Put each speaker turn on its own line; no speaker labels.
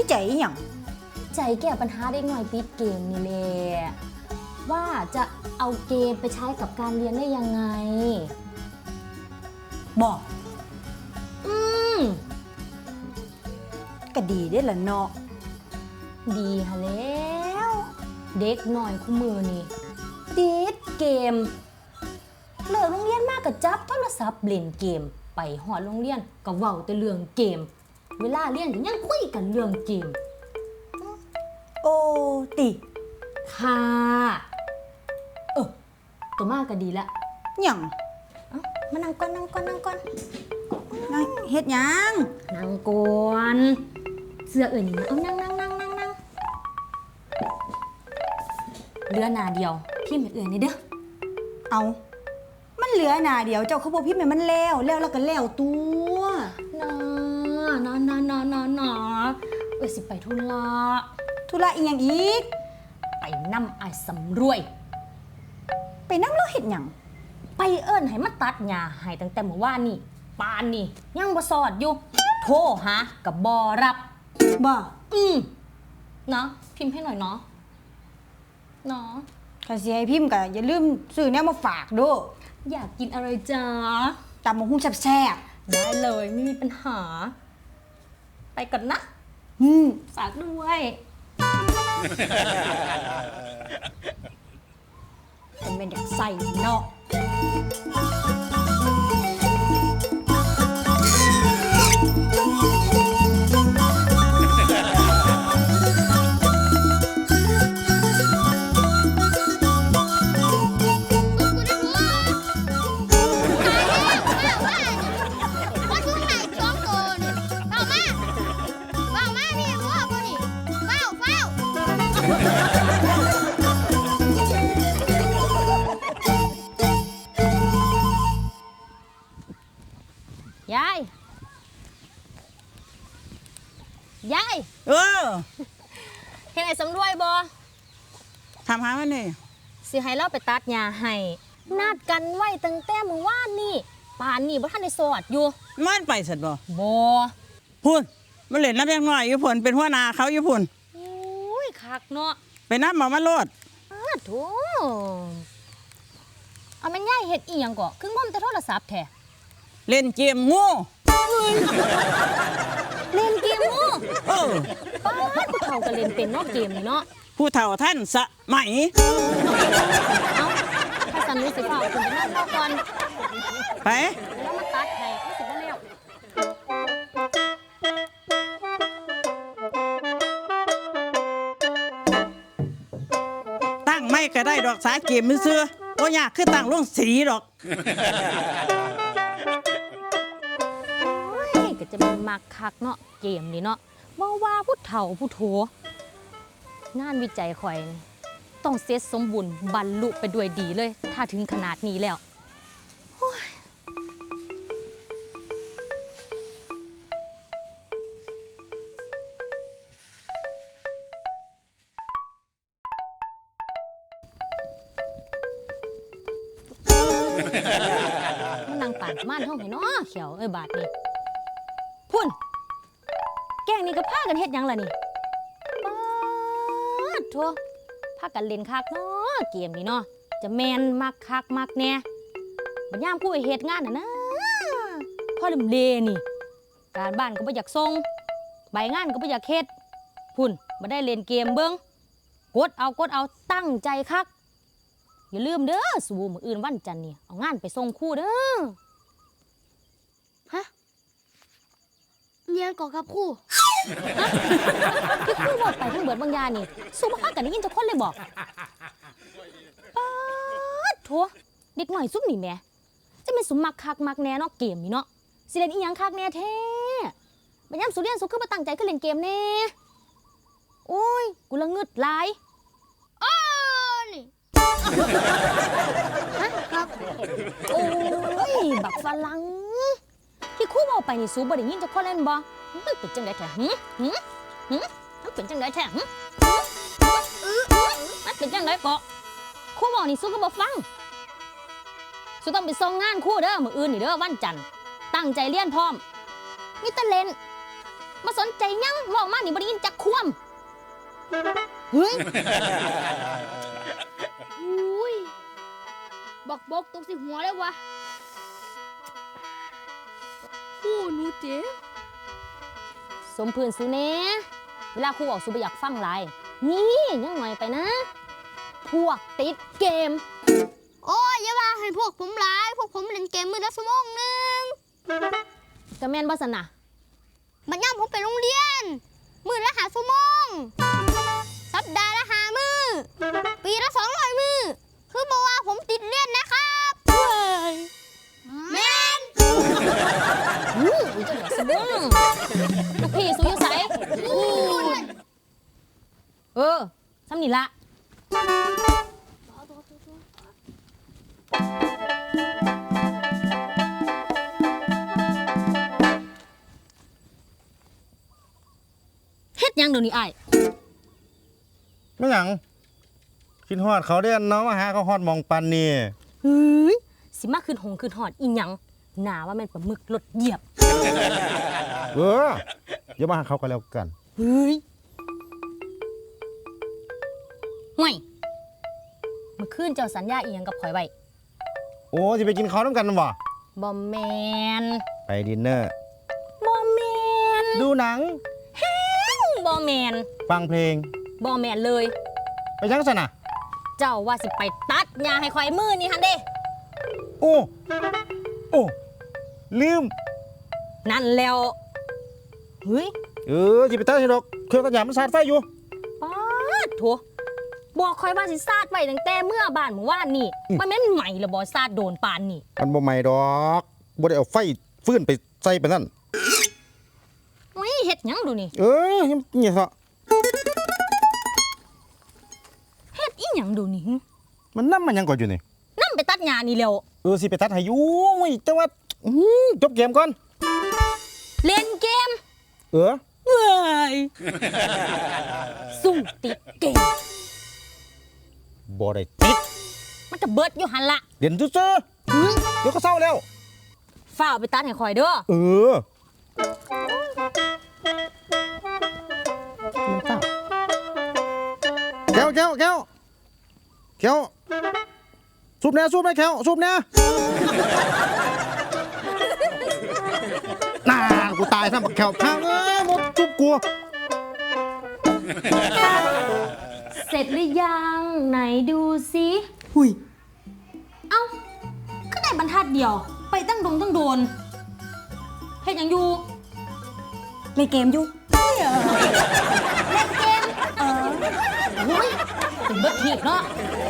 วิจัยอหย่าง
ใจแก้ปัญหาเด็กหน่อยติดเกมนี่แหละว่าจะเอาเกมไปใช้กับการเรียนได้ยังไง
บอก
อืม
ก็ดีได้ละเนาะ
ดีฮะแล้วเด็กหน่อยคู่มือนี่ติดเกมเลิกโรงเรียนมากกับจับโทรศัพท์เล่นเกมไปหอดโรงเรียนก็เว้าแต่เรื่องเกมเวลาเรียนก็ยังคุยกันเรื่องเกม
โอ้ติ
ค่ะตัวมากก็ดีละ
หยัง
มานั่งก่อนนั่ง
เฮ็ดหยัง
นั่งก่อนเสื้อเอื่นนี่นะเอานั่งเรือหนาเดียวพี่ไม่เอื่นนี่เด้อ
เอามันเหลือหน้าเดียวเจ้าเขาบอกพี่แม่มันแล้วแล้วก็แล้วตัว
นาสิไปธุ
ระอีหยังอีก
ไปนำไอ้สำรวย
ไปนำแล้วเฮ็ดหยัง
ไปเอิ้นให้มาตัดหญ้าให้ตั้งแต่เมื่อวานนี่ปานนี่ยังบ่สอดอยู่โทรหากับบ่รับ
บ่
เนาะพิมพ์ให้หน่อยเนาะ
ถ้าสิให้พิมพ์ก็อย่าลืมซื้อแนวมาฝากเด้อ
อยากกินอะไรจ๊ะ
ตำบักหุ่งแซ่บ
ๆได้เลยไม่มีปัญหาไปก่อนนะฝากด้วย
เป็นเด็กใส่เนาะ
ยายเห็นไอ้สำรวยบ่
ทำหามันนี่
สิให้เราไปตัดหญ้าให้นัดกันไว้ตั้งแต่เมื่อวานนี่ป่านนี่บ่ทันได้สอดอยู่
มันไปสัตว์บ่
พุ่
นมันเล่นน้ำยังน้อยอยู่พุ่นเป็นหัวหน้าเขาอยู่พุ่น
โอ้ยคักเนาะ
ไปน้ำมาโลด
โธ่เอาแม่นยายเฮ็ดอีหยังก็คืองมแต่โทรศัพท์แท้
เล่นเกมงู
เล่นเกมงูป้าผู้เฒ่าก็เล่นเป็นเนาะเกมนี่เนาะ
ผู้เฒ่าท่านสมัย
เอาถ้าสันนิษฐานคุณไปนั่งรอก่อน
ไป
แล้วมาตัดให้รู้สึกว่าเร็ว
ตั้งไม่ก็ได้ดอกสาเกมมือเสื้อว่ายากคือตั้งลงสีดอก
จะเป็นมักคักเนาะเกมนี่เนาะว่าผู้เฒ่าผู้โถงานวิจัยข่อยต้องเสร็จสมบูรณ์บรรลุไปด้วยดีเลยถ้าถึงขนาดนี้แล้วมันนั่งป่านม่านห้องให้เนาะเขียวบาดนี่พุ่นแกงนี่ก็พากันเฮ็ดหยังล่ะนี่ป๊าดโธ่พากันเล่นคักเนาะเกมนี่เนาะจะแมนมักคักมักแน่บัดยามผู้เฮ็ดงานน่ะนะพ่อลืมเลนี่การบ้านก็บ่อยากส่งใบงานก็บ่อยากเฮ็ดพุ่นบ่ได้เล่นเกมเบิ่งกดเอาตั้งใจคักอย่าลืมเด้อสู่มื้ออื่นวันจันทร์นี่เอางานไปส่งครูเด้อฮะ
เรียนก่อนครับครู
ที่ครูบอกไปทั้งเบิดบางยานี่สู้บ่พากันได้ยินจักคนเลยบอกป๊าดโถเด็กหน่อยซุ่มนี่แหมจะเป็นสุมักคักมักแน่เนาะเกมนี่เนาะสิเล่นอีหยังคักแน่แท้บัดยามสุเรียนสุคือบ่ตั้งใจคือเล่นเกมแน่โอ้ยกูละงึดหลาย
นี่
ฮะครับโอ้ยบักฝรั่งที่ครูบอกไปนี่สูบ่ได้ยินจักคนเล่นบ่มันเป็นจังได๋แท้มันเป็นจังได๋แท้มันเป็นจังได๋ก็ครูบอกนี่สูก็บ่ฟังสูต้องไปส่งงานครูเด้อมื้ออื่นนี่เด้อวันจันทร์ตั้งใจเรียนพร้อมมีแต่เล่นมาสนใจหยังเว้ามานี่บ่ได้ยินจักควมเฮ้ย
อุ้ยบอกตกสิหัวเลยวะครูหนูเจ๊
สมพื้นสุแหน่เวลาครูออกสุบ่อยากฟังหลายนี่ยังหน่อยไปนะ พวกติดเกม
โอ้ยอย่าว่าให้พวกผมหลายพวกผมเล่นเกมมือละชั่วโมงหนึง
ก็แม่นบ่ซั่นน่ะ
บัดย่ำผมไปโรงเรียนมือละ5 ชั่วโมงสัปดาห์ละ5 มื้อปีละ200 มื้อคือบอกว่าผมติดเรียนนะครับแม่น
อู้ยจังหวะสะบึ้งลูกพี่สุอยู่ไสซ้ำนี่ละเฮ็ดหยังเดี๋ยวนี้อ้าย
ไม่หยังคิดฮอดเขาเด้อนเนาะมาหาเขาฮอดหมองปันนี่
เฮ้ยสิมาขึ้นหงขึ้นหอดอีหยังหนาว่าแม่นปลาหมึกรถเหยียบ
อย่ามาหาเขากันแล้วกัน
เฮ้ยห่วยเมื่อคืนเจ้าสัญญาอีหยังกับข่อยไว้
โอ้สิไปกินข้าวน้ำกันบ่
บ่แมน
ไปดินเนอร์
บ่แมน
ดูหนัง
บ่แมน
ฟังเพลง
บ่แมนเลย
ไปยังสันน่ะ
เจ้าว่าสิไปตัดหญ้าให้ข่อยมือนี่หั่นเด้
โอ้ลืม
นั่นแล้วเฮ้ย
สิไปตัดให้ดอกเครื่องตัดหญ้ามันสาดไฟอยู่
ป๊าดโถบอกข่อยว่าสิซาดไว้ตั้งแต่เมื่อบ้านเมื่อวานนี่มันแม่นใหม่ละบ่ซาดโดนปานนี่
มันบ่ใหม่ดอกบ่ได้เอาไฟฟื้นไปใส่ไปนั่น
อุ้ยเฮ็ดหยังดูนี่
ยังเงี้ยซะ
เฮ็ดอีหยังดูนี่
มันนำมันยังก่อนอยู่นี่
นำไปตัดหญ้านี่แล้ว
สิไปตัดให้อยู่แต่ว่าจบเกมก่อน
เล่นเกม
เออ
เว้ยสู้ติดเกม
บ่ได้ติด
มันก็เบิดอยู่หันละ
เรียนซื่อๆเดี๋ยวก็เศร้าแล้ว
ฝ้าวไปตัดให้ข่อยเด้อ
มันเศร้าแก้วสูบแน่แก้วสูบแน่น่ากูตายซะบักแก้วพังหมดจุบกู
เสร็จหรือยังไหนดูสิ
หุย
เอ้าก็ได้บรรทัดเดียว ไปตั้งโดนเฮ็ดหยังอยู่
เล่นเกมอยู่
เล่นเกมโอ้ยเป็นเบิดทีบเนาะ